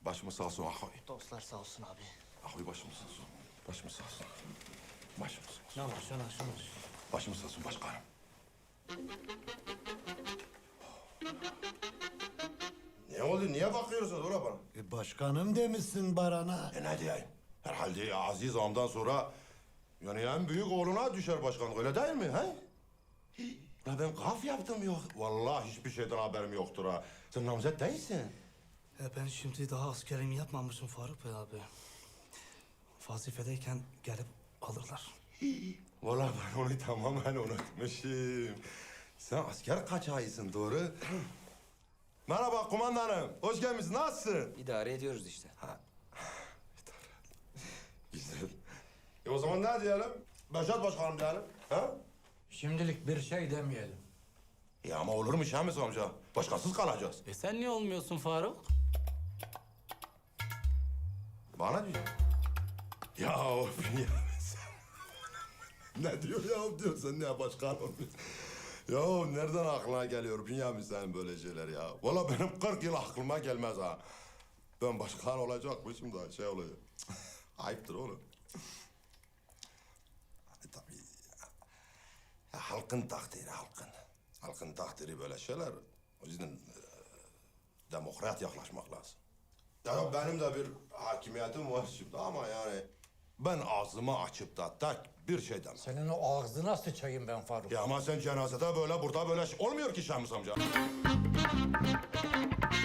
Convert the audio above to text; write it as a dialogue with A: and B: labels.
A: Başımız sağ olsun ahoy.
B: Dostlar sağ olsun abi.
A: Ahoy başımız sağ olsun. Başımız sağ olsun. Başımız sağ olsun.
B: Yavaş yavaş yavaş.
A: Başımız sağ olsun başkanım. Ne oldu? Niye bakıyorsunuz oraya bana?
C: Başkanım demişsin Baran'a.
A: Ne diyeyim? Herhalde Aziz Ağam'dan sonra yani en büyük oğluna düşer başkanlık, öyle değil mi? He? Ya ben kaf yaptım yok. Vallahi hiçbir şeyden haberim yoktur ha. Sen namzet değilsin.
B: Ben şimdi daha askerimi yapmamışım Faruk Bey abi. Vazifedeyken gelip alırlar.
A: Vallahi ben onu tamamen unutmuşum. Sen asker kaçağısın, doğru? Merhaba kumandanım. Hoş gelmişsin. Nasılsın?
D: İdare ediyoruz işte.
A: Güzel. O zaman ne diyelim? Beşat başkanım diyelim. Ha?
E: Şimdilik bir şey demeyelim.
A: Ya ama olur mu Şamis amca? Başkasız kalacağız.
F: Sen niye olmuyorsun Faruk?
A: Bana diyor. Ya of ya sen. Ne diyor ya diyor sen ne başkanım? Ya nereden aklına geliyor Bünyamin senin böyle şeyler ya? Vallahi benim 40 yıl aklıma gelmez ha. Ben başkan olacakmışım da şey olacak. Ayıptır oğlum. Hani tabii ya, halkın takdiri halkın. Halkın takdiri böyle şeyler. O yüzden demokrat yaklaşmak lazım. Ya benim de bir hakimiyetim var şimdi ama yani ben ağzımı açıp da tek bir şey demem.
E: Senin o ağzına sıçayım ben Faruk.
A: Ya ama sen cenazede böyle burada böyle olmuyor ki Şamus amca.